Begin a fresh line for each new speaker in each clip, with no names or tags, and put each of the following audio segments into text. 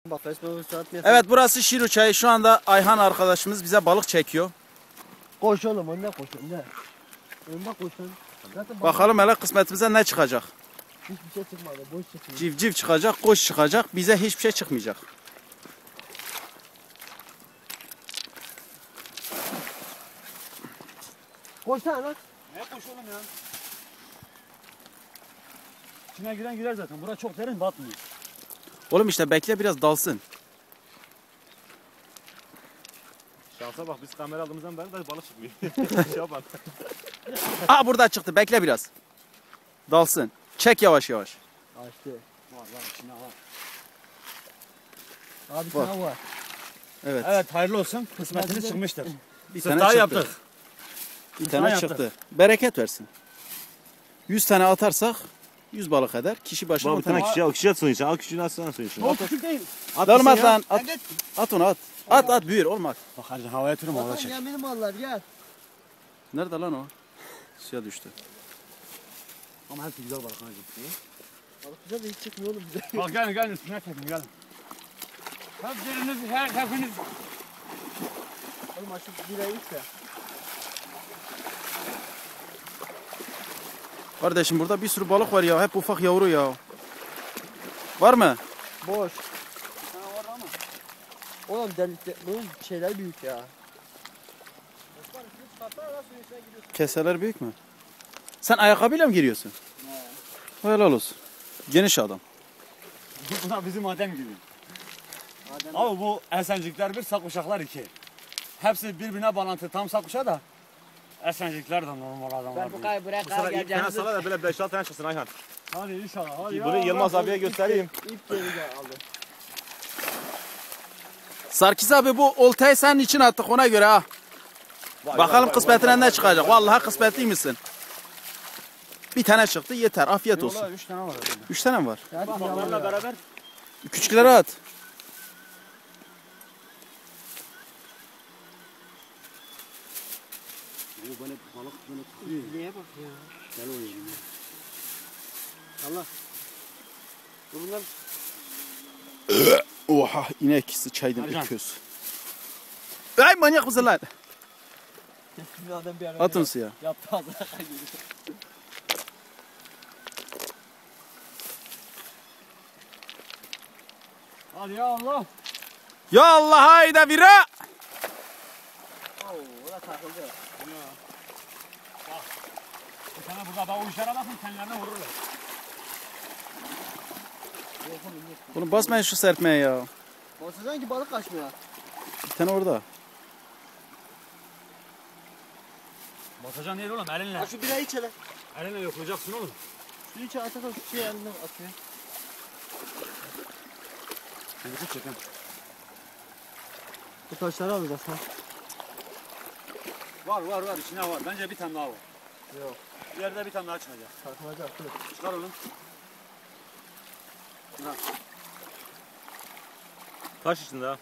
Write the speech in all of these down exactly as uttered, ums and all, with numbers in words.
Evet, burası Şiru Çayı. Şu anda Ayhan arkadaşımız bize balık çekiyor.
Koş oğlum, önüne koş, önüne. Önüne koş. Zaten
bakalım hele kısmetimize ne çıkacak.
Hiçbir şey çıkmadı, boş çıkıyor.
Civciv çıkacak, koş çıkacak. Bize hiçbir şey çıkmayacak.
Koşsana lan.
Ne koş oğlum ya? İçine giren girer zaten. Burası çok derin, batmıyor.
Oğlum işte bekle biraz dalsın.
Şansa bak, biz kamera aldığımızdan beri de balık çıkmıyor. Şuna bak.
Aa, burada çıktı, bekle biraz. Dalsın. Çek yavaş yavaş.
Açtı.
Var var, içine var.
Abi
Var.
sana var.
Evet.
Evet, hayırlı olsun. Kısmetiniz çıkmıştır.
Bir
Sırtayı
tane çıktı.
yaptık.
Bir
Sırtayı
tane
yaptık.
çıktı. Bereket versin. yüz tane atarsak yüz balık eder. Kişi başına
Bak
on
bir tane
tane.
kişiye, o kişiye at suyun içine. Al küçüğünü atsana suyun içine.
O küçük değil.
At
Olmaz
gitsin ya.
lan. At, at onu at. At at büyür olmaz.
Bak hadi havaya tırım havaya
Bakalım
çek.
ya benim mallar gel.
Nerede lan o? Suya düştü.
Ama hepsi güzel balık hacı.
Balık güzel de hiç çıkmıyor oğlum bize.
Bak gelin gelin üstüne çekin gelin. Hepiniz, her hepiniz.
Oğlum açıp birayı iç de.
Kardeşim burada bir sürü balık var ya. Hep ufak yavru ya. Var mı?
Boş.
Sana var ama.
Oğlum delikte, bunun şeyler büyük ya.
Keseler büyük mü? Sen ayakkabıyla mı giriyorsun?
He.
Helal olsun. Geniş adam.
Bunlar bizim Adem gibi.
Adem.
Abi bu Esencikler bir, Sakuşaklar iki. Hepsi birbirine bağlantı. Tam Sakuşa da Esencikler de normal adamlar.
Ben bu kayı bırak
Bu sefer
kayı
ilk tane
geleceğimizi.
sana da böyle beş altı tane çıksın Ayhan.
Hadi inşallah. Hadi
Bunu Yılmaz abiye göstereyim.
İp geri gel aldı.
Sarkis abi, bu oltayı senin için attık, ona göre ha.
Vay,
Bakalım
vay,
kısmetine
vay,
ne
vay,
çıkacak.
vay, vay.
Vallahi kısmetli misin? Bir tane çıktı, yeter. Afiyet olsun.
Yola üç tane var herhalde.
Üç tane mi var?
Hadi
Bak
yalan
onlarla
ya.
beraber.
Küçükleri at.
Bu böyle balık böyle tutuyor.
Neye bak ya.
Gel oynayalım.
Allah. Bunlar
Oha, inek sıçaydın
Ercan.
öküz. Ay manyak mısın lan?
bir adam bir ara
Atın suya.
yaptı ağzına kayıyor.
Hadi ya Allah.
Ya Allah, hayda bira.
Oo, o da takıldı.
Bir tane burada bak o işlere bakın kendilerine vururlar.
Bunu basmayın şu serpmeye ya.
Basacaksın ki balık kaçmıyor.
Bir tane orada.
Basacan değil oğlum elinle.
Ha şu birayı iç hele.
Elinle yoklayacaksın oğlum.
Şu içe atarsan şu şey elinden atıyor.
Şimdi tut çekin.
Bu taşları alacağız ha.
Var var var içine var. Bence bir tane daha var.
Yok.
İleride bir tane daha çıkacak.
Takılacak. Dur.
Çıkar oğlum.
Taş içinde ha.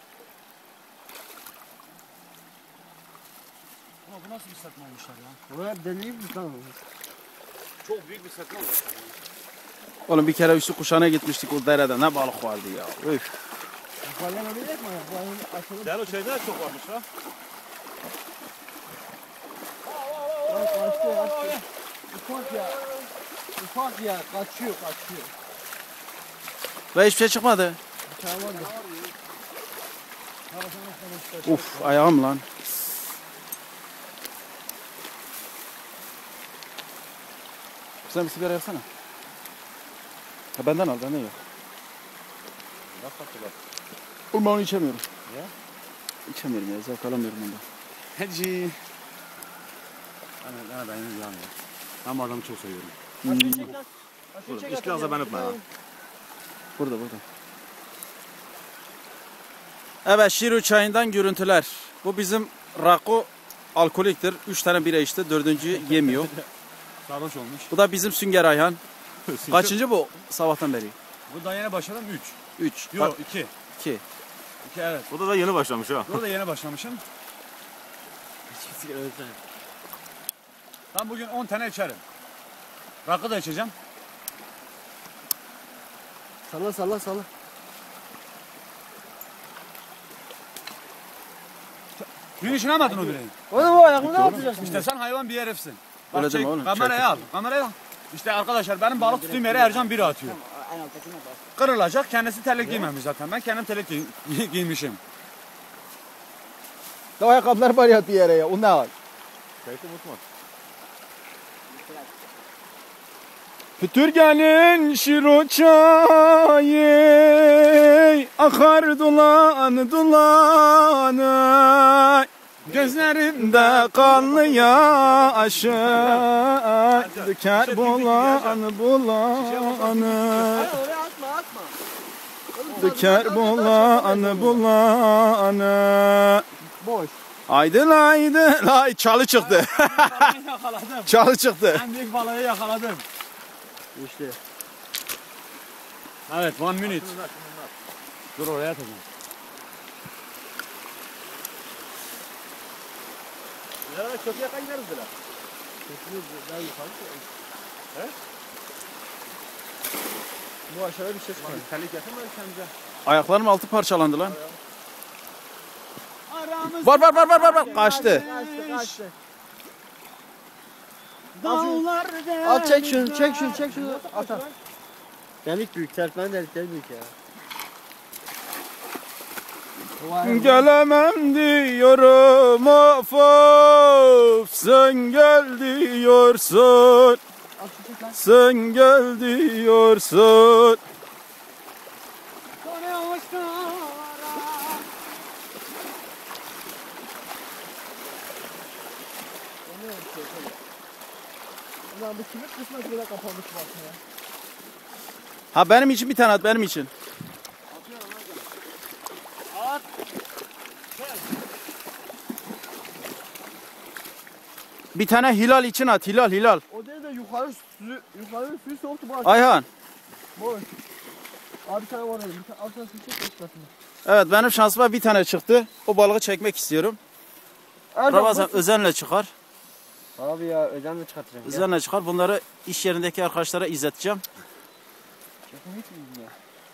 Ama bu nasıl bir serpme olmuşlar ya?
Buraya deliği mi lan?
Çok büyük bir serpme olmuş.
Oğlum bir kere üstü kuşağına gitmiştik, o derede ne balık vardı ya. Üf.
Yukarıdan ölecek mi? Bu ayın açılıp.
Değerli o şeyde de çok varmış ha.
Bak kaçtı kaçtı. Ufak ya. Ufak ya. Kaçıyor kaçıyor.
Ve hiçbir şey çıkmadı.
Bir tane var ya.
Uf, ayağım lan. Sen bir sigara yaksana. Ha, benden al, benden yok.
Nasıl tatlılar?
Oğlum ben onu içemiyorum.
Niye?
İçemiyorum ya, zevk alamıyorum ondan.
Hadi. Ben, ben benim yani. Ben bu adamı çok seviyorum.
Hmm.
Çek lan.
Oğlum, hiç biraz da ben öpme ha.
Burada burada. Evet, Şiru Çayı'ndan görüntüler. Bu bizim Rako alkoliktir. Üç tane bira içti, dördüncü yemiyor.
Sarhoş olmuş.
Bu da bizim Sünger Ayhan. Kaçıncı bu sabahtan beri?
Bu da yeni başladım üç.
Üç.
Yok iki.
iki.
İki evet.
Bu da da yeni başlamış ha.
Burada yeni başlamışım. Ben bugün on tane içerim. Rakı da içeceğim.
Salla salla salla.
Dün düşünemedin o bireyi.
Oğlum o ayakını ne yapacaksın?
İşte sen hayvan bir herifsin. Bak
Öyle
çek,
deme oğlum,
kamerayı
çek.
al. Kamerayı al. İşte arkadaşlar benim balık tuttuğum yere Ercan biri atıyor. Kırılacak. Kendisi terlik giymemiş zaten. Ben kendim terlik giy giymişim.
O ayakkabılar var ya bir yere ya. O ne var?
Kayıtı unutma.
Pütürgenin şiru çayı akar dulan dulanı. Gözlerimde kanlı yaşı döker bulan bulanı.
Oraya atma atma.
Döker bulan bulanı.
Boş.
Aydın aydın. Ay çalı çıktı.
Balığı yakaladım.
Çalı çıktı.
En büyük balığı yakaladım.
İşte.
Evet, one minute. Dur oraya atacağım.
Ya çok yakın gideriz bile.
Daha yukarı. He? Bu aşağıya bir ses çıkıyor.
Terlik yakın mı kendimize?
Ayaklarım altı parçalandı lan. Var var var var var var. Kaçtı.
Kaçtı kaçtı.
Dağlar
Al çek şunu çek şunu çek şunu. At at. Delik büyük serpmen delikleri büyük ya.
Gelemem diyorum of of. Sen gel diyorsun. Sen gel diyorsun.
Ulan bu kimin kısmet böyle kapanmış bakma ya.
Ha benim için bir tane at benim için.
At.
Bir tane hilal için at hilal hilal.
O değil de yukarı suyu, yukarı suyu soğuktu bu aşağı.
Ayhan.
Boş. Abi bir tane var öyle. Bir tane altına su çek eklasını.
Evet benim şansıma bir tane çıktı. O balığı çekmek istiyorum. Ramazan özenle çıkar.
Abi ya özenle çıkartacağım.
Özenle çıkar. Bunları iş yerindeki arkadaşlara izleteceğim.
Çekim hiç mi ya?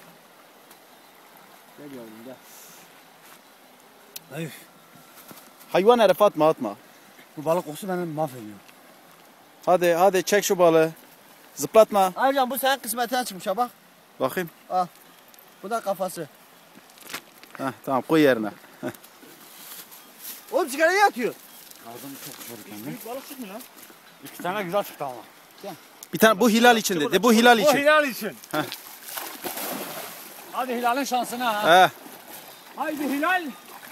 Gel yavrum gel.
Hayır.
Hayvan herif atma atma.
Bu balık kokusu beni mahvediyor.
Hadi hadi çek şu balığı. Zıplatma.
Ayrıca bu senin kısmetine çıkmış ha bak.
Bakayım.
Bu da kafası.
Heh, tamam koy yerine.
Oğlum sigarayı atıyor.
Ağzım çok soğuk kendi.
Büyük balık çıkmıyor lan.
İki tane güzel çıktı ama.
Bir tane bu hilal için dedi. Bu hilal
Bu
için.
Hilal için.
Heh.
Hadi Hilal'in şansına ha.
Heh.
Haydi Hilal.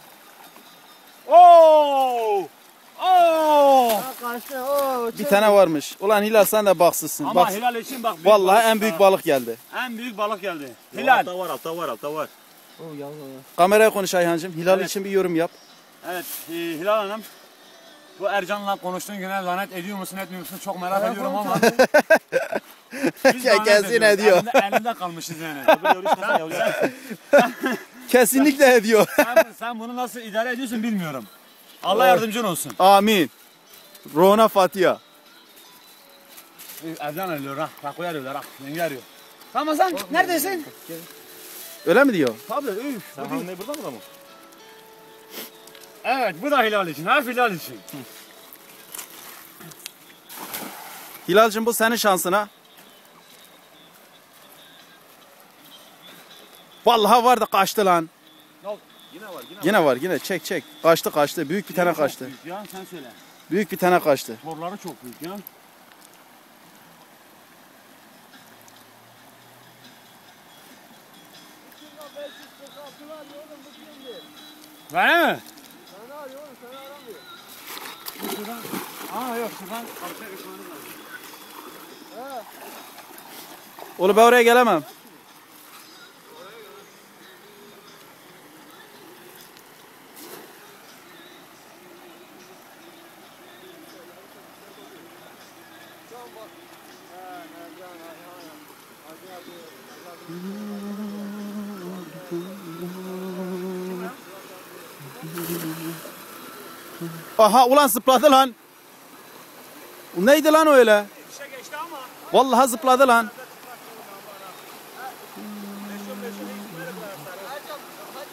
Oo! Oo!
Ha kaçtı. Oo,
Bir tane varmış. Ulan hilal sen de baksızsın.
Ama
Bak.
Hilal için bak. büyük
Vallahi
balık
en büyük
çıktı ha.
balık geldi.
En büyük balık geldi.
Hilal.
Hilal.
Altta var altta var altta var.
Oo yavrum ya.
Kameraya konuş Ayhancığım. Hilal
Evet.
için bir yorum yap.
Evet e, Hilal Hanım. Bu Ercan'la konuştuğun güne lanet ediyor musun etmiyor musun çok merak ediyorum ama. Biz
Ya
lanet
kesin
ediyoruz.
ediyor.
Elinde, elinde kalmışız yani.
Öbür yavru çıkarsa yavru.
Kesinlikle ediyor.
sen, sen bunu nasıl idare ediyorsun bilmiyorum. Allah yardımcın olsun.
Amin. Rona Fatiha.
Ercan arıyor ha. Rakoyu arıyorlar ha. Yenge arıyor. Ramazan neredesin?
Öyle mi diyor?
Tabii üf.
Sen hamle burada mı da mı?
Evet bu da Hilal için. Her Hilal için.
Hilal'cığım bu senin şansına. Vallahi vardı kaçtı lan.
Yine var yine var.
Yine var yine çek çek. Kaçtı kaçtı. Büyük bir tane
Çok
kaçtı.
büyük ya sen söyle.
Büyük bir tane kaçtı.
Borları çok büyük ya. Öyle mi?
Seni arıyor oğlum seni aramıyor.
Şuradan. Aa yok şuradan karşıya geçmeniz lazım.
He.
Oğlum ben oraya gelemem. Aha ulan zıpladı lan. O neydi lan öyle?
Bir şey geçti ama.
Vallahi zıpladı lan.